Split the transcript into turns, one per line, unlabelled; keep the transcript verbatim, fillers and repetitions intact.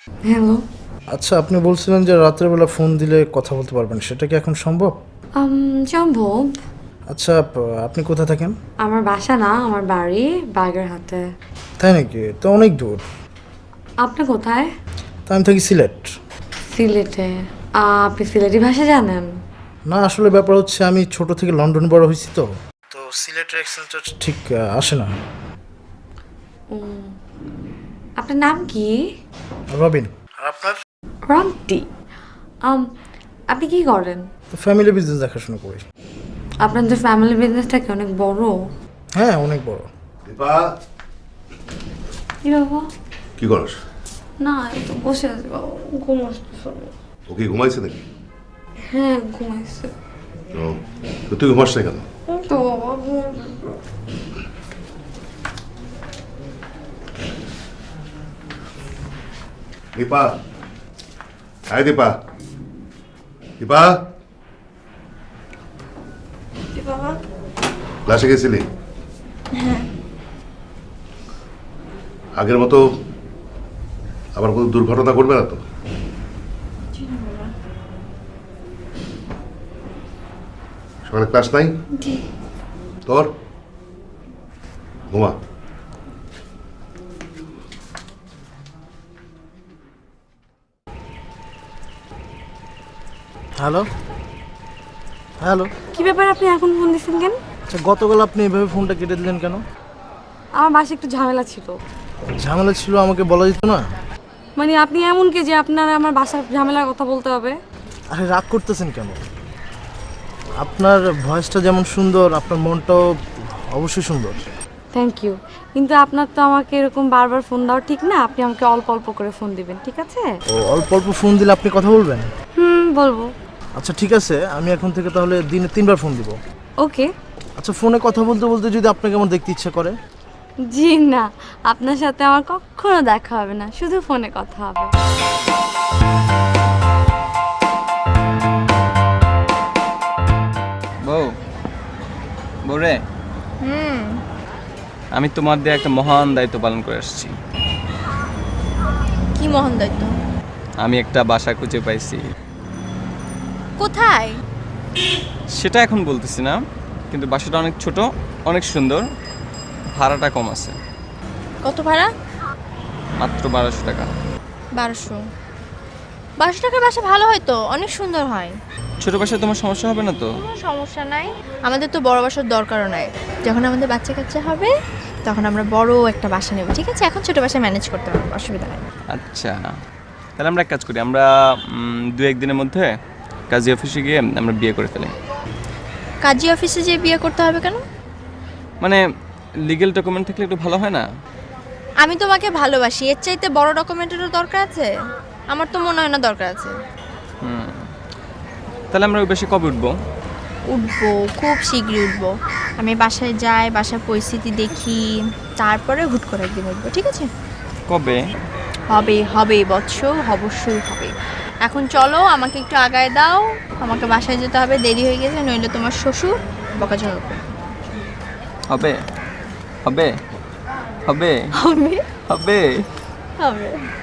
Hello.
আচ্ছা, আপনি বলছিলেন যে রাতের বেলা ফোন দিলে কথা বলতে পারবেন, সেটা কি এখন সম্ভব?
আম সম্ভব।
আচ্ছা, আপ- আপনি কোথায় থাকেন?
আমার বাসা না, আমার বাড়ি বাগেরহাটে।
তাই নাকি? তো অনেক দূর।
আপনি কোথায়?
তা আমি থাকি সিলেট।
সিলেটে? আ, আপনি সিলেটি ভাষা জানেন?
না, আসলে ব্যাপার হচ্ছে আমি ছোট থেকে লন্ডন বড় হয়েছি, তো তো সিলেটের অ্যাকসেন্টটা ঠিক আহ, আসে না।
আপনার নাম কি?
রবিন। আর আপনার?
রন্টি। আম আপনি কি করেন?
তো ফ্যামিলি বিজনেস দেখাশোনা করি।
আপনাদের ফ্যামিলি বিজনেসটা কি অনেক বড়?
হ্যাঁ, অনেক বড়।
দীপা,
কি বাবা?
কি করস?
না, এই তো বসে আছি বাবা, ঘুম আসতেছে না।
ও কি ঘুমাইছে নাকি?
হ্যাঁ, ঘুমাইছে।
ও, তো তুই ঘুমাস না কেন?
তো বাবা ঘুমাইছে।
দীপা, হাই দীপা, দীপা,
কি বাবা?
ক্লাসে গেছিলি? আগের মতো আবার কোনো দুর্ঘটনা ঘটবে না তো? সকালে ক্লাস নাই তোর? ঘুমা।
Hello hello.
কি ব্যাপার, আপনি এখন ফোন দিচ্ছেন কেন?
আচ্ছা, গতকাল আপনি এভাবে ফোনটা কেটে দিলেন কেন?
আমার বাসায় একটু ঝামেলা ছিল।
ঝামেলা ছিল, আমাকে বলা যেত না?
মানে আপনি এমন কি যে আপনার আমার বাসার ঝামেলার কথা বলতে হবে?
আরে, রাগ করতেছেন কেন? আপনার ভয়েসটা যেমন সুন্দর, আপনার মনটাও অবশ্যই সুন্দর।
থ্যাংক ইউ, কিন্তু আপনার তো আমাকে এরকম বারবার ফোন দেওয়া ঠিক না। আপনি আমাকে অল্প অল্প করে ফোন দিবেন, ঠিক আছে?
ও, অল্প অল্প ফোন দিলে আপনি কথা বলবেন?
হুম, বলবো।
আচ্ছা, ঠিক আছে, আমি এখন থেকে তাহলে দিনে তিনবার ফোন দিব।
ওকে।
আচ্ছা, ফোনে কথা বলতে বলতে যদি আপনাকে আমার দেখতে ইচ্ছা করে?
জি না, আপনার সাথে আমার কখনো দেখা হবে না, শুধু ফোনে কথা হবে।
বউ, বউ রে, আমি তোমার দিয়ে একটা মহান দায়িত্ব পালন করে আসছি।
কি মহান দায়িত্ব?
আমি একটা বাসা খুঁজে পাইছি।
কোথায়?
সেটা এখন বলতেছি না, কিন্তু বাসাটা অনেক ছোট, অনেক সুন্দর, ভাড়াটা কম আছে,
কত ভাড়া?
মাত্র বারোশো টাকা।
বারোশো? বারোশো টাকার বাসা ভালো হয় তো, অনেক সুন্দর হয়।
ছোট বাসায় তোমার সমস্যা হবে না তো?
কোনো সমস্যা নাই, আমাদের তো বড় বাসার দরকারও নাই। যখন আমাদের বাচ্চা কাচ্চা হবে তখন আমরা বড় একটা বাসা নেব, ঠিক আছে? এখন ছোট বাসায় ম্যানেজ করতে পারবো, অসুবিধা নেই।
আচ্ছা, তাহলে আমরা এক কাজ করি, আমরা উম, দু একদিনের মধ্যে কাজী অফিসে গিয়ে আমরা বিয়ে করে ফেলি।
কাজী অফিসে যেয়ে বিয়ে করতে হবে কেন?
মানে লিগেল ডকুমেন্ট থাকলে একটু ভালো হয় না?
আমি তোমাকে ভালোবাসি, এর চাইতে বড় ডকুমেন্টেরও দরকার আছে? আমার তো মনে হয় না দরকার আছে।
হুম, তাহলে আমরা ওই বাসে কবে উঠবো?
উঠবো, খুব শীঘ্রই উঠবো। আমি বাসায় যাই, বাসার পরিস্থিতি দেখি, তারপরে হুট করে একদিন উঠবো, ঠিক আছে?
কবে?
হবে হবে বৎস, অবশ্যই হবে। এখন চলো, আমাকে একটু আগায় দাও, আমাকে বাসায় যেতে হবে, দেরি হয়ে গেছে, নইলে তোমার শ্বশুর বকাঝকা করবে।
হবে হবে হবে
হবে
হবে
হবে